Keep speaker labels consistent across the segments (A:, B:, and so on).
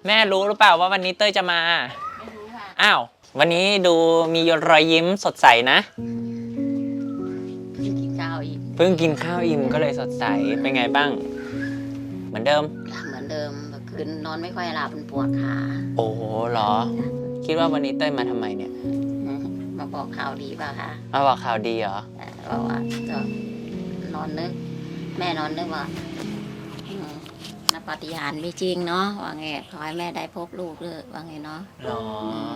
A: แม่รู้หรือเปล่าว่าวันนี้เต้ยจะมา
B: ไม่รู้ค่ะ
A: อ้าววันนี้ดูมีรอยยิ้มสดใสนะ
B: เพิ่งกินข้าวอีก
A: เพิ่งกินข้าวอิ่มก็เลยสดใสเป็นไงบ้างเหมือนเดิม
B: เหมือนเดิมเมื่อคืนนอนไม่ค่อยหลับมันปวดขา
A: โอ้โหเหรอคิดว่าวันนี้เต้ยมาทำไมเนี่ย
B: มาบอกข่าวดีป่ะคะ
A: มาบอกข่าวดีเหรอ
B: บอกว่าจะนอนนึกแม่นอนนึกว่านับปาฏิหาริย์ไม่จริงเนาะว่าไงขอให้แม่ได้พบลูกเลยว่าไงเนาะ
A: หรอ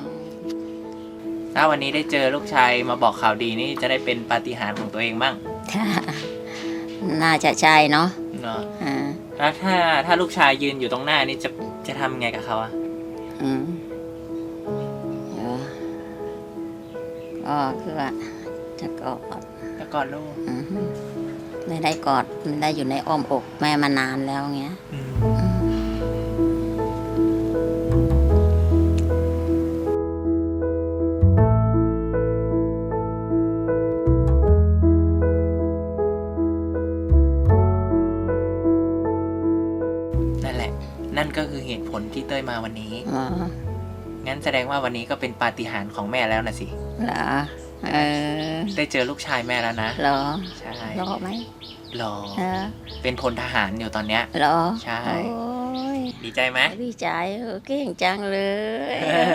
A: ถ้าวันนี้ได้เจอลูกชายมาบอกข่าวดีนี่จะได้เป็นปาฏิหาริย์ของตัวเองบ้าง
B: น่าจะใช่เนาะ
A: แล้วถ้าลูกชายยืนอยู่ตรงหน้านี่จะทำไงกับเขาอ่ะ
B: ก็คือว่าจะกอ
A: ดลูก
B: ไม่ได้กอดมันได้อยู่ในอ้อมอกแม่มานานแล้วเงี้ย
A: นั่นแหละนั่นก็คือเหตุผลที่เต้ยมาวันนี้งั้นแสดงว่าวันนี้ก็เป็นปาฏิหาริย์ของแม่แล้วนะสิ
B: เหรอ
A: ได้เจอลูกชายแม่แล้วนะ
B: เหรอ
A: ใช่
B: รอไหม
A: รอเป็นพลทหารอยู่ตอนเนี้ย
B: เหรอ
A: ใช่ดีใจไหม
B: ดีใจเก่งจังเลย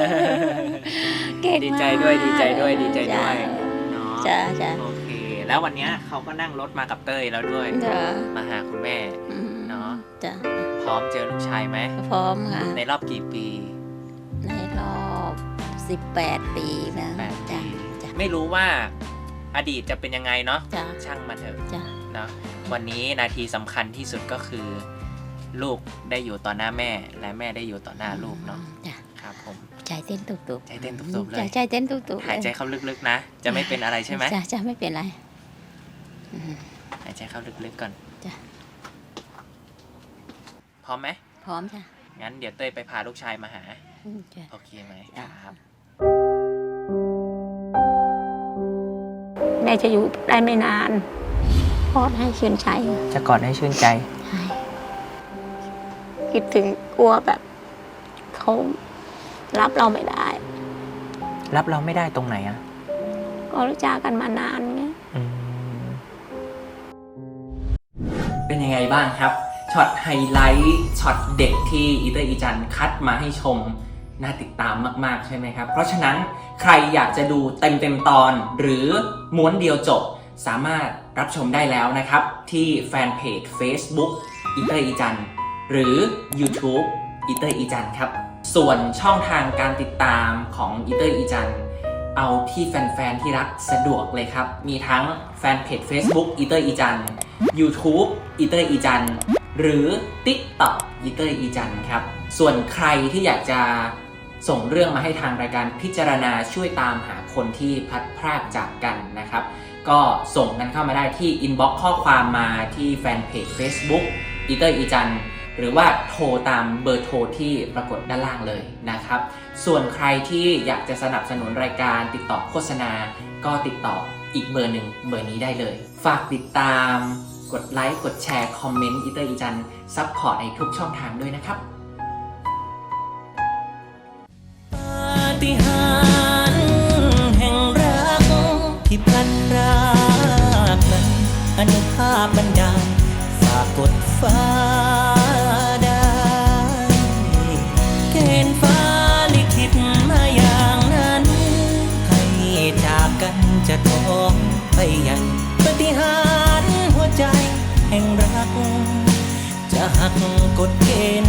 A: ดีใจด้วยดีใจด้วยดีใจด้วย
B: เนาะจ้า
A: โอเคแล้ววันนี้เขาก็นั่งรถมากับเต้ยแล้วด้วยมาหาคุณแม่เนาะ
B: จ้า
A: พร้อมเจอลูกชายไหม
B: พร้อมค่ะ
A: ในรอบกี่ปี
B: ในรอบ18 ปีนะจ้า
A: ไม่รู้ว่าอดีตจะเป็นยังไงเนาะช่างมันเถอะเนาะวันนี้นาทีสำคัญที่สุดก็คือลูกได้อยู่ต่อหน้าแม่และแม่ได้อยู่ต่อหน้าลูกเนาะครับผม
B: ใจเต้นตุบ
A: ๆใจเต้นตุบๆเลย
B: ใจเต้นตุบ
A: ๆหายใจเข้าลึกๆนะจะไม่เป็นอะไรใช่ไหม
B: จะไม่เป็นไร
A: หายใจเข้าลึกๆก่อน
B: จ้ะ
A: พร้อมไหม
B: พร้อมจ้ะ
A: งั้นเดี๋ยวเต้ยไปพาลูกชายมาหาโอเคไหมครับ
B: แม่จะอยู่ได้ไม่นานกอดให้ชื่นใจ
A: จะกอดให้ชื่นใจ
B: คิดถึงกลัวแบบเขารับเราไม่ได้
A: รับเราไม่ได้ตรงไหนอ่ะ
B: ก็รู้จักกันมานานไง
A: เป็นยังไงบ้างครับช็อตไฮไลท์ช็อตเด็กที่อีเตอร์อีจันคัดมาให้ชมน่าติดตามมากๆใช่ไหมครับเพราะฉะนั้นใครอยากจะดูเต็มตอนหรือม้วนเดียวจบสามารถรับชมได้แล้วนะครับที่แฟนเพจ Facebook อีเตอร์อีจันหรือ YouTube อีเตอร์อีจันครับส่วนช่องทางการติดตามของอีเตอร์อีจันเอาที่แฟนๆที่รักสะดวกเลยครับมีทั้งแฟนเพจ Facebook อีเตอร์อีจัน YouTube อีเตอร์อีจันหรือ TikTok อีเตอร์อีจันครับส่วนใครที่อยากจะส่งเรื่องมาให้ทางรายการพิจารณาช่วยตามหาคนที่พลัดพรากจากกันนะครับก็ส่งกันเข้ามาได้ที่ inbox ข้อความมาที่แฟนเพจ Facebook อีเตอร์อีจันหรือว่าโทรตามเบอร์โทรที่ปรากฏด้านล่างเลยนะครับส่วนใครที่อยากจะสนับสนุนรายการติดต่อโฆษณาก็ติดต่ออีกเบอร์หนึ่งเบอร์นี้ได้เลยฝากติดตามกดไลค์กดแชร์คอมเมนต์อีเตอร์อีจันซัพพอร์ตในทุกช่องทางด้วยนะครับปาฏิหาริย์แห่งรักที่พลันพรากนั้นอนุภาพบันดาลฝากกดฟ้าได้เกณฑ์ฟ้าลิขิตมาอย่างนั้นให้จากกันจะท้องไปยังปาฏิหาริย์หัวใจแห่งรักจะหักกฎเกณฑ์